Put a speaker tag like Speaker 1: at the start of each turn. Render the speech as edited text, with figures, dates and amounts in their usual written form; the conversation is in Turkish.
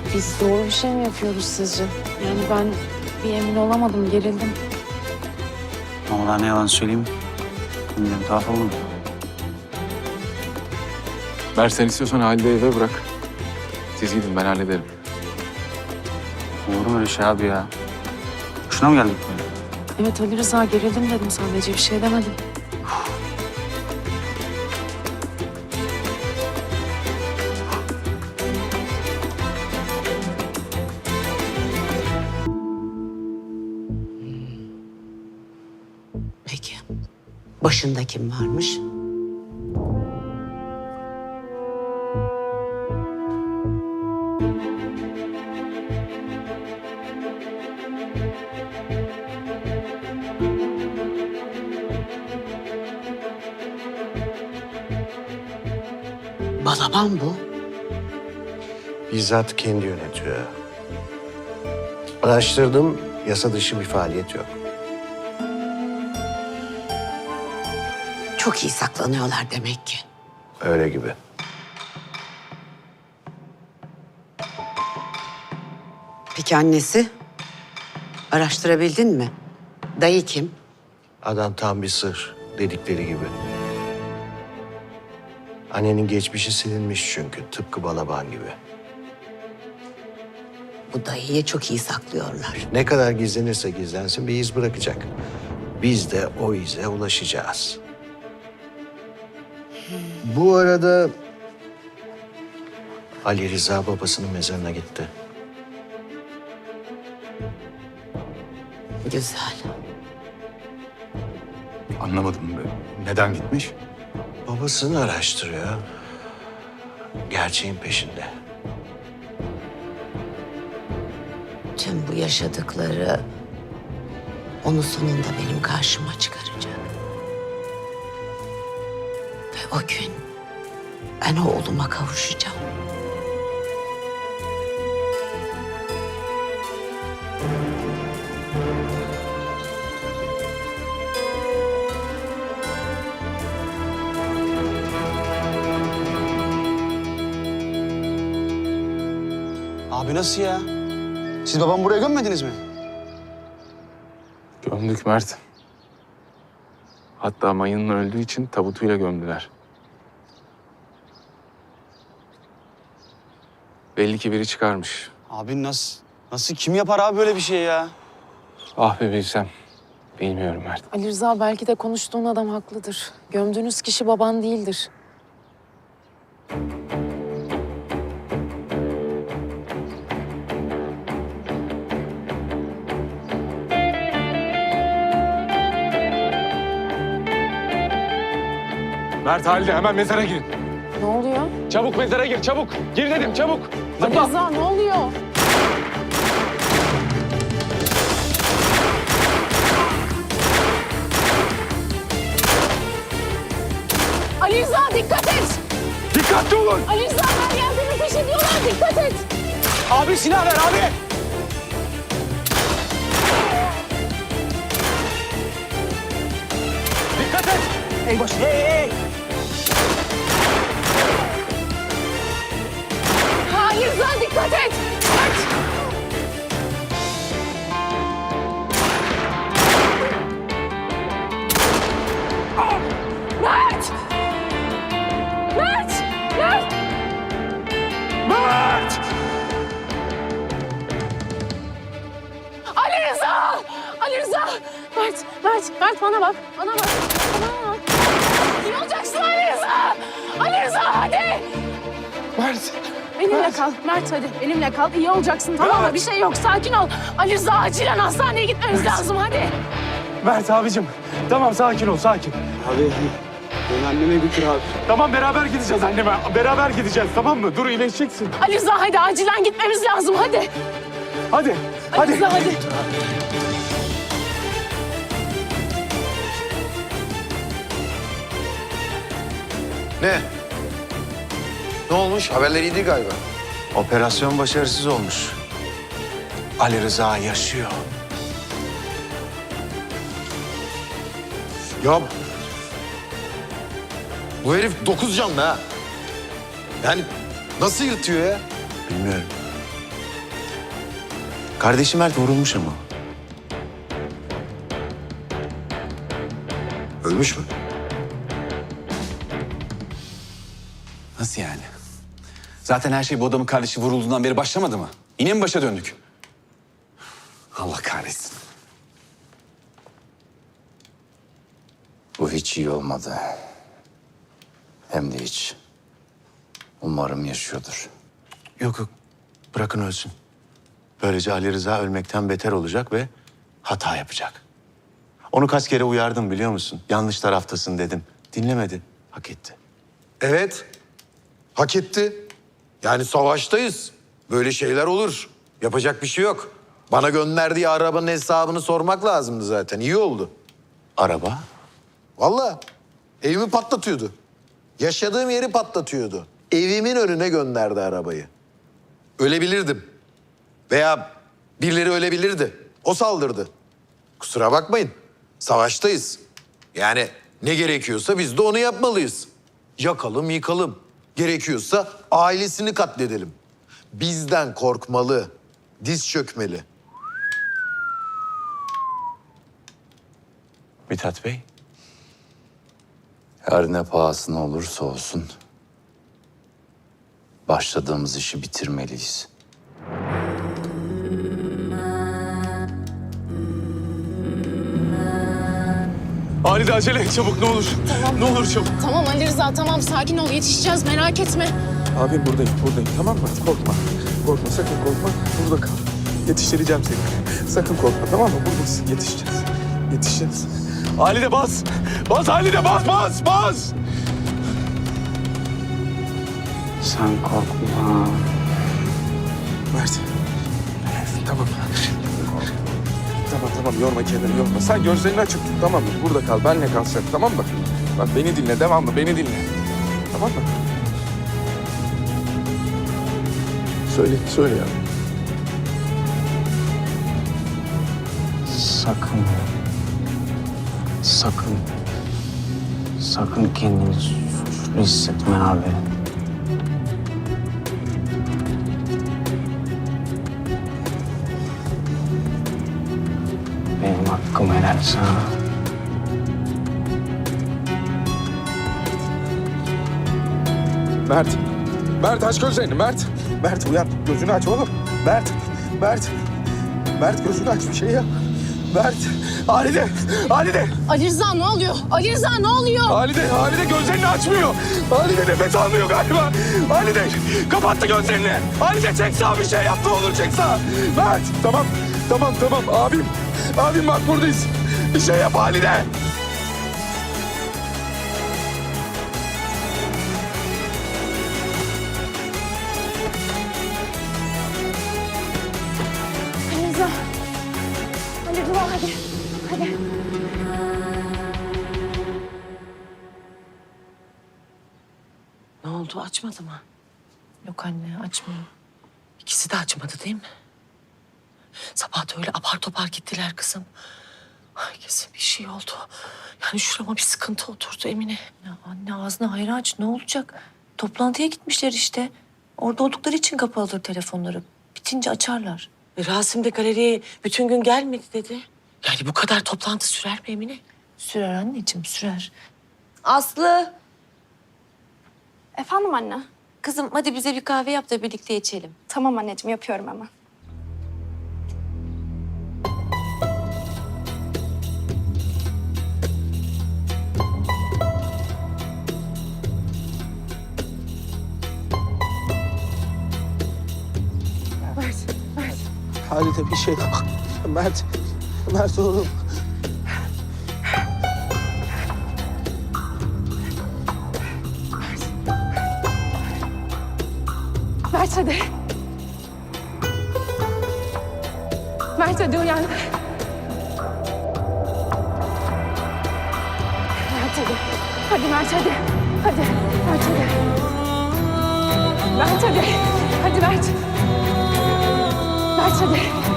Speaker 1: Biz doğru bir şey mi yapıyoruz sizce? Yani ben bir emin olamadım, gerildim.
Speaker 2: Vallahi ne yalan söyleyeyim. Bilmiyorum, tuhaf oldu.
Speaker 3: Ver sen istiyorsan Halide'yi eve bırak. Siz gidin ben hallederim.
Speaker 2: Olur mu öyle şey abi ya? Şuna mı geldik böyle?
Speaker 1: Evet Ali Rıza, gerildim dedim sadece, bir şey demedim.
Speaker 4: Peki. Başında kim varmış? Balaban bu.
Speaker 5: Bizzat kendi yönetiyor. Araştırdım, yasa dışı bir faaliyet yok.
Speaker 4: Çok iyi saklanıyorlar demek ki.
Speaker 5: Öyle gibi.
Speaker 4: Peki annesi? Araştırabildin mi? Dayı kim?
Speaker 5: Adam tam bir sır, dedikleri gibi. Annenin geçmişi silinmiş çünkü, tıpkı Balaban gibi.
Speaker 4: Bu dayıyı çok iyi saklıyorlar.
Speaker 5: Ne kadar gizlenirse gizlensin bir iz bırakacak. Biz de o ize ulaşacağız. Bu arada Ali Rıza babasının mezarına gitti.
Speaker 4: Güzel.
Speaker 3: Anlamadım. Neden gitmiş?
Speaker 5: Babasını araştırıyor. Gerçeğin peşinde.
Speaker 4: Tüm bu yaşadıkları onu sonunda benim karşıma çıkaracak. Ve o gün ben oğluma kavuşacağım.
Speaker 6: Abi nasıl ya? Siz babamı buraya gömmediniz mi?
Speaker 3: Gömdük Mert. Hatta mayının öldüğü için tabutuyla gömdüler. Belli ki biri çıkarmış.
Speaker 6: Abi nasıl kim yapar abi böyle bir şey ya?
Speaker 3: Ah be bilsem. Bilmiyorum Mert.
Speaker 1: Ali Rıza, belki de konuştuğun adam haklıdır. Gömdüğünüz kişi baban değildir.
Speaker 3: Mert Halide hemen mezara girin.
Speaker 1: Ne oluyor?
Speaker 3: Çabuk mezara gir çabuk. Gir dedim çabuk.
Speaker 1: Ali
Speaker 3: Zıpla.
Speaker 1: Rıza, ne oluyor? Ali Rıza, dikkat et!
Speaker 3: Dikkatli olun.
Speaker 1: Ali Rıza, her yerde bir peş ediyorlar, dikkat et!
Speaker 6: Abi silah ver abi.
Speaker 3: Dikkat et.
Speaker 6: Eybaş. Hey.
Speaker 1: Ali Rıza, dikkat et! Kaç! Mert! Mert! Mert!
Speaker 3: Mert!
Speaker 1: Ali Rıza! Ali Rıza! Mert bana bak, bana bak. Bana bak. İyi olacaksın Ali Rıza! Ali Rıza, hadi!
Speaker 3: Mert!
Speaker 1: Benimle kal, Mert hadi. Benimle kal, iyi olacaksın, tamam mı? Bir şey yok, sakin ol. Ali Rıza, acilen hastaneye gitmemiz lazım, hadi.
Speaker 3: Mert abicim. Tamam sakin ol sakin.
Speaker 6: Abi beni anneme götür abi.
Speaker 3: Tamam beraber gideceğiz anneme. Beraber gideceğiz tamam mı? Dur iyileşeceksin.
Speaker 1: Ali Rıza, hadi acilen gitmemiz lazım, hadi.
Speaker 3: Hadi.
Speaker 1: Ali
Speaker 3: Hadi.
Speaker 1: Rıza, hadi.
Speaker 5: Ne? Ne olmuş? Haberler iyiydi galiba. Operasyon başarısız olmuş. Ali Rıza yaşıyor.
Speaker 7: Ya bu herif 9 canlı ha. Yani nasıl yırtıyor ya?
Speaker 5: Bilmiyorum.
Speaker 7: Kardeşim Mert vurulmuş ama.
Speaker 5: Ölmüş mü?
Speaker 6: Nasıl yani? Zaten her şey bu adamın kardeşi vurulduğundan beri başlamadı mı? Yine mi başa döndük? Allah kahretsin.
Speaker 8: Bu hiç iyi olmadı. Hem de hiç. Umarım yaşıyordur.
Speaker 7: Yok yok. Bırakın ölsün. Böylece Ali Rıza ölmekten beter olacak ve hata yapacak. Onu kaç kere uyardım biliyor musun? Yanlış taraftasın dedim. Dinlemedi. Hak etti.
Speaker 5: Evet. Hak etti. Yani savaştayız. Böyle şeyler olur. Yapacak bir şey yok. Bana gönderdiği arabanın hesabını sormak lazımdı zaten. İyi oldu.
Speaker 7: Araba?
Speaker 5: Vallahi evimi patlatıyordu. Yaşadığım yeri patlatıyordu. Evimin önüne gönderdi arabayı. Ölebilirdim. Veya birileri ölebilirdi. O saldırdı. Kusura bakmayın. Savaştayız. Yani ne gerekiyorsa biz de onu yapmalıyız. Yakalım, yıkalım. Gerekiyorsa ailesini katledelim. Bizden korkmalı. Diz çökmeli.
Speaker 7: Mithat Bey.
Speaker 8: Her ne pahasına olursa olsun başladığımız işi bitirmeliyiz.
Speaker 3: Halide acele et çabuk ne olur.
Speaker 1: Tamam.
Speaker 3: Ne olur çabuk.
Speaker 1: Tamam Ali Rıza tamam sakin ol yetişeceğiz merak etme.
Speaker 3: Abim buradayım tamam mı? Korkma. Korkma sakın korkma. Burada kal. Yetiştireceğim seni. Sakın korkma tamam mı? Buradasın yetişeceğiz. Halide bas. Bas Halide bas.
Speaker 2: Sen korkma.
Speaker 3: Mert. Tamam. Tamam yorma kendini yorma. Sen gözlerini açık tut tamam mı? Burada kal benle kal sen tamam mı? Bak beni dinle devamlı beni dinle. Tamam mı? Söyle ya.
Speaker 2: Sakın kendini suçlu hissetme abi. Benim hakkım helal sana.
Speaker 3: Mert aç gözlerini Mert. Mert uyan gözünü aç oğlum. Mert gözünü aç bir şey yap. Mert. Halide.
Speaker 1: Ali Rıza ne oluyor? Ali Rıza ne oluyor?
Speaker 3: Halide gözlerini açmıyor. Halide nefes almıyor galiba. Halide kapattı gözlerini. Halide çek sağa bir şey yap ne olur çek sağa. Mert tamam. Abim bak buradayız. Bir şey yap Halide.
Speaker 1: Ali Rıza. Ali Rıza hadi.
Speaker 4: Ne oldu açmadı mı?
Speaker 1: Yok anne açmıyor.
Speaker 4: İkisi de açmadı değil mi? Sabah da öyle apar topar gittiler kızım. Ay kesin bir şey oldu. Yani şurama bir sıkıntı oturdu Emine.
Speaker 9: Ya anne ağzını hayır aç ne olacak? Toplantıya gitmişler işte. Orada oldukları için kapalıdır telefonları. Bitince açarlar.
Speaker 4: Rasim de galeriye bütün gün gelmedi dedi. Yani bu kadar toplantı sürer mi Emine?
Speaker 9: Sürer anneciğim sürer.
Speaker 10: Aslı,
Speaker 9: Efendim anne?
Speaker 10: kızım hadi bize bir kahve yap da birlikte içelim.
Speaker 9: Tamam anneciğim yapıyorum hemen.
Speaker 3: Halide bir şey yap. Mert oğlum.
Speaker 1: Mert hadi. Mert hadi uyan. Mert hadi. Hadi Mert hadi. Hadi Mert hadi. Mert hadi. Hadi Mert. Mert hadi.